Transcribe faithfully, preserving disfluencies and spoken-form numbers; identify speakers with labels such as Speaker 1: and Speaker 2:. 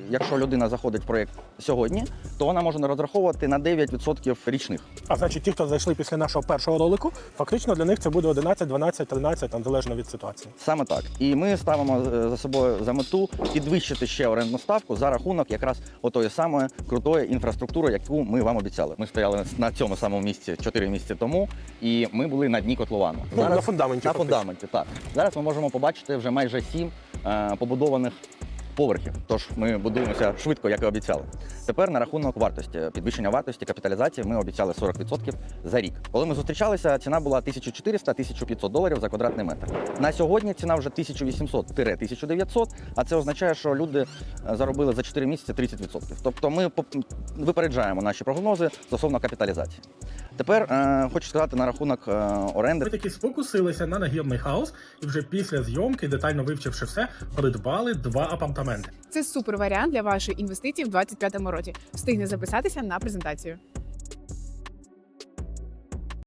Speaker 1: якщо людина заходить в проєкт сьогодні, то вона може розраховувати на дев'ять відсотків річних.
Speaker 2: А значить, ті, хто зайшли після нашого першого ролику, фактично для них це буде одинадцять, дванадцять, тринадцять, там, залежно від ситуації.
Speaker 1: Саме так. І ми ставимо за собою за мету підвищити ще орендну ставку за рахунок якраз отої самої крутої інфраструктури, яку ми вам обіцяли. Ми стояли на цьому самому місці чотири місяці тому, і ми були на дні котловану.
Speaker 2: Ну, на фундаменті.
Speaker 1: На
Speaker 2: фактично.
Speaker 1: фундаменті, так. Зараз ми можемо побачити вже майже сім е, побудованих поверхів. Тож ми будуємося швидко, як і обіцяли. Тепер на рахунок вартості. Підвищення вартості капіталізації ми обіцяли сорок відсотків за рік. Коли ми зустрічалися, ціна була тисяча чотириста - тисяча п'ятсот доларів за квадратний метр. На сьогодні ціна вже тисяча вісімсот - тисяча дев'ятсот, а це означає, що люди заробили за чотири місяці тридцять відсотків. Тобто ми випереджаємо наші прогнози стосовно капіталізації. Тепер е, хочу сказати на рахунок е, оренди.
Speaker 3: Ми таки спокусилися на нагірний хаус і вже після зйомки, детально вивчивши все, придбали два апартаменти.
Speaker 4: Це супер варіант для вашої інвестиції в двадцять п'ятому році. Встигне записатися на презентацію.